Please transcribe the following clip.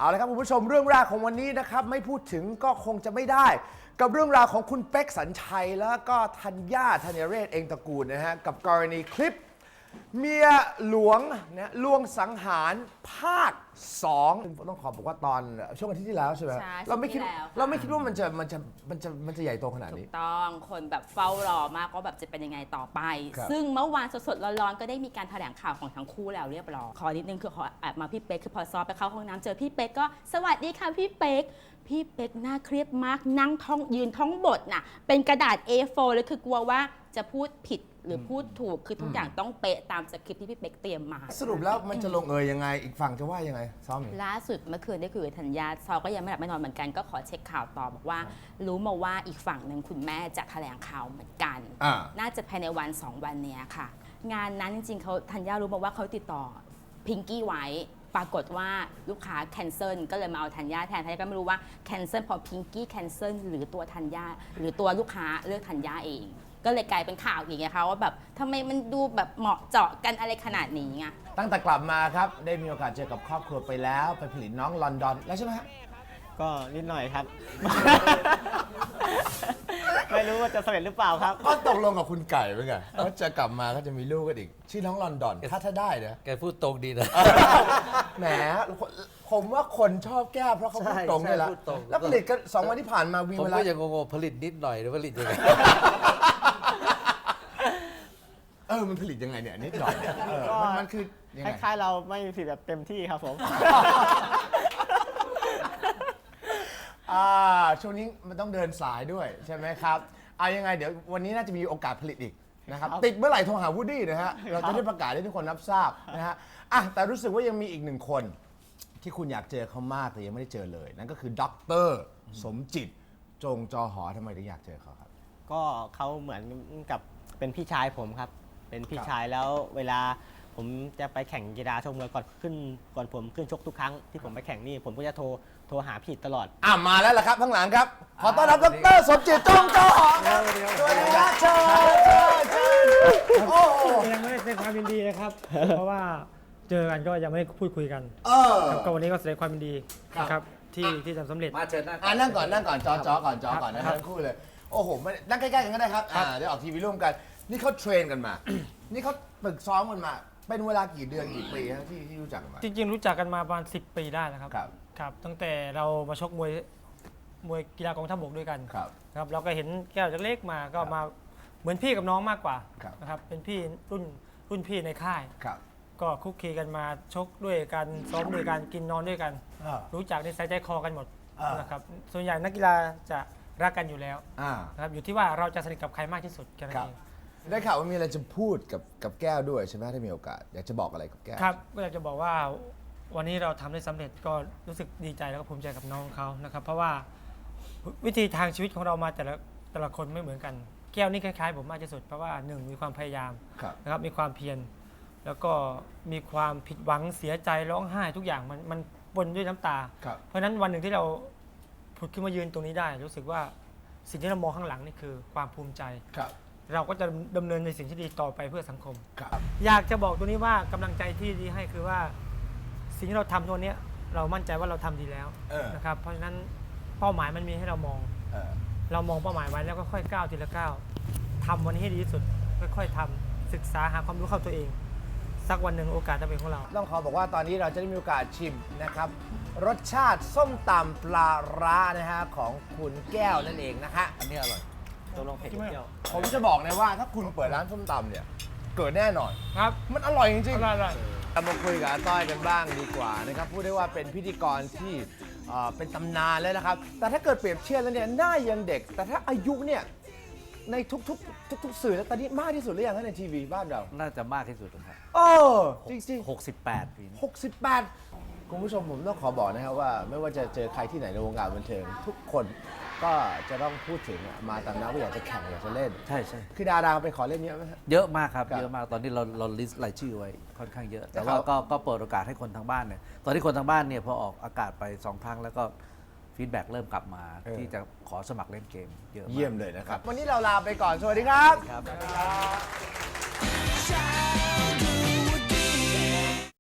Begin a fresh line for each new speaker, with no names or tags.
เอาละครับคุณผู้ชมเรื่องแรกของวันนี้นะครับไม่พูดถึงก็คงจะไม่ได้กับเรื่องราวของคุณเป๊กสัญชัยแล้วก็ธัญญาธัญเรศเองตระกูลนะฮะกับกรณีคลิปเมียหลวงนะลวงสังหารภาค2ต้องขอบอกว่าตอนช่วงอาทิตย์ที่แล้วใช่ไหมเราไม่คิดว่ามันจะใหญ่โตขนาดนี้
ถูกต้องคนแบบเฝ้ารอมากว่าแบบจะเป็นยังไงต่อไปซึ่งเมื่อวานสดๆร้อนๆก็ได้มีการแถลงข่าวของทั้งคู่แล้วเรียบร้อยขอนิดนึงคือขอแอบมาพี่เป๊กคือพอซอไปเข้าห้องน้ำเจอพี่เป๊กก็สวัสดีค่ะพี่เป๊กน่าเครียดมากนั่งท่องยืนท่องบทน่ะเป็นกระดาษ A4 เลยคือกลัวว่าจะพูดผิดหรือพูดถูกคือทุกอย่างต้องเป๊ะตามสคริปต์ที่พี่เป๊กเตรียมมา
สรุปแล้วมันจะลงเอยยังไงอีกฝั่งจะว่ายังไงซ้อม
ล่าสุดเมื่อคืนได้คุยกับธัญญาซอก็ยังไม่หลับไม่นอนเหมือนกันก็ขอเช็คข่าวต่อบอกว่ารู้มาว่าอีกฝั่งหนึ่งคุณแม่จะแถลงข่าวเหมือนกันน่าจะภายในวัน2 วันนี้ค่ะงานนั้นจริงๆเขาธัญญารู้มาว่าเขาติดต่อพิงกี้ไว้ปรากฏว่าลูกค้าแคนเซิลก็เลยมาเอาธัญญาแทนธัญญาก็ไม่รู้ว่าแคนเซิลพอพิงกี้แคนเซิลหรือตัวธัญญาหรือตัวลูกค้าเลือกธัญญาเองก็เลยกลายเป็นข่าวอย่างเงี้ยค่ะว่าแบบทำไมมันดูแบบเหมาะเจาะกันอะไรขนาดนี้ไง
ตั้งแต่กลับมาครับได้มีโอกาสเจอกับครอบครัวไปแล้วไปผลิตน้องลอนดอนแล้วใช่ไหมฮะ
ก็นิดหน่อยครับ ไม่รู้ว่าจะสำเร็จหรือเปล่าครับ
ก็ตกลงกับคุณไก่ไว้ไงว่าจะกลับมาก็จะมีลูกกันอีกชื่อน้องลอนดอนถ้าได้นะ
แกพูดตรงดีนะ
แหมผมว่าคนชอบแก้เพราะเขาพูดตรงนี่แหละแล้วผลิตกัน2 วันที่ผ่านมา
ผมก็ยังงงผลิตนิดหน่อยหรือผลิตยังไง
มันผลิตยังไงเนี่ยนิดหน่อยเนี่ยมันคือ
คล้ายๆเราไม่ผลิตแบบเต็มที่ครับผม
ช่วงนี้มันต้องเดินสายด้วยใช่ไหมครับยังไงเดี๋ยววันนี้น่าจะมีโอกาสผลิตอีกนะครับติดเมื่อไหร่โทรหาวูดดี้นะฮะเราจะได้ประกาศให้ทุกคนรับทราบนะฮะแต่รู้สึกว่ายังมีอีก1 คนที่คุณอยากเจอเขามากแต่ยังไม่ได้เจอเลยนั่นก็คือดร.สมจิตจงจอหอทำไมถึงอยากเจอเขาครับ
ก็เขาเหมือนกับเป็นพี่ชายผมครับเป็นพี่ชายแล้วเวลาผมจะไปแข่งกีฬาชกมวยก่อนผมขึ้นชกทุกครั้งที่ผมไปแข่งนี่ผมก็จะโทรหาพี่ตลอด
มาแล้วล่ะครับข้างหลังครับขอต้อนรับดร.สมจิตจงจอหอครับสวัสดีครับเชิญ
ยังไม่ได้แสดงความยินดีนะครับเพราะว่าเจอกันก็ยังไม่ได้พูดคุยกันก็วันนี้ก็แสดงความยินดีนะครับที่ทำสำเร็จ
มาเชิญ
นั่งก่อนจอก่อนนะครับทั้งคู่เลยโอ้โหนั่งใกล้ๆกันก็ได้ครับเดี๋ยวออกทีวีร่วมกันนี่เขาเทรนกันมานี่เขาฝึกซ้อมกันมาเป็นเวลากี่เดือนกี่ปีที่รู้จักกันมา
จริงๆรู้จักกันมาประมาณ10 ปีได้แล้วครับตั้งแต่เรามาชกมวยกีฬากองทัพบกด้วยกันครับเราก็เห็นแก้วจากเล็กมาก็มาเหมือนพี่กับน้องมากกว่านะครับเป็นพี่รุ่นพี่ในค่ายก็คุกคีกันมาชกด้วยกันซ้อมด้วยกันกินนอนด้วยกันรู้จักในสายใจคอกันหมดนะครับส่วนใหญ่นักกีฬาจะรักกันอยู่แล้วนะครับอยู่ที่ว่าเราจะสนิทกับใครมากที่สุดแค่นั้นเอง
ได้ข่าวว่ามีอะไรจะพูดกับแก้วด้วยใช่ไหมถ้ามีโอกาสอยากจะบอกอะไรกับแก้ว
ครับก็อยากจะบอกว่าวันนี้เราทำได้สำเร็จก็รู้สึกดีใจแล้วก็ภูมิใจกับน้องเขานะครับเพราะว่าวิธีทางชีวิตของเรามาแต่ละคนไม่เหมือนกันแก้วนี่คล้ายๆผมมากที่สุดเพราะว่า1มีความพยายามนะครับมีความเพียรแล้วก็มีความผิดหวังเสียใจร้องไห้ทุกอย่างมันปนด้วยน้ำตาเพราะฉะนั้นวันหนึ่งที่เราผุดขึ้นมายืนตรงนี้ได้รู้สึกว่าสิ่งที่เรามองข้างหลังนี่คือความภูมิใจเราก็จะดำเนินในสิ่งที่ดีต่อไปเพื่อสังคมอยากจะบอกตัวนี้ว่ากำลังใจที่ดีให้คือว่าสิ่งที่เราทำตัวนี้เรามั่นใจว่าเราทำดีแล้วนะครับเพราะฉะนั้นเป้าหมายมันมีให้เรามองเรามองเป้าหมายไว้แล้วก็ค่อยก้าวทีละก้าวทำวันนี้ให้ดีที่สุดค่อยๆทำศึกษาหาความรู้เข้าตัวเองสักวันหนึ่งโอกาสจะเป็นของเรา
ต้องขอบอกว่าตอนนี้เราจะได้มีโอกาสชิมนะครับรสชาติส้มตำปลาร้านะฮะของคุณแก้วนั่นเองนะฮะ
อันนี้อร่อย
ตัวลงเผ็ดเที่ยว
ผมจะบอกเลยว่าถ้าคุณเปิดร้านส้มตำเนี่ยเกิดแน่นอน
ครับ
มันอร่อยจริง
ๆอร่อย
มาคุยกับอาต้อยกันบ้างดีกว่านะครับพูดได้ว่าเป็นพิธีกรที่เป็นตำนานแล้วนะครับแต่ถ้าเกิดเปรียบเทียบแล้วเนี่ยหน้ายังเด็กแต่ถ้าอายุเนี่ยในทุกสื่อแล้วตอนนี้มากที่สุดหรือยังในทีวีบ้านเรา
น่าจะมากที่สุดครับ
จริง
ๆ68 ปี
68คุณผู้ชมผมต้องขอบอกนะครับว่าไม่ว่าจะเจอใครที่ไหนในวงการบันเทิงทุกคนก็จะต้องพูดถึงมาตามนั้นว่าอยากจะแข่งอยากจะเล่น
ใช่
คือดาราไปขอเล่นเยอะไหม
เยอะมากครับเยอะมากตอนนี้เราลิสต์รายชื่อไว้ค่อนข้างเยอะแต่ว่าก็เปิดโอกาสให้คนทางบ้านเนี่ยตอนที่คนทางบ้านเนี่ยพอออกอากาศไป2 ครั้งแล้วก็ฟีดแบ็กเริ่มกลับมาที่จะขอสมัครเล่นเกมเยอะ
เยี่ยมเลยนะครับวันนี้เราลาไปก่อนสวัสดีครับ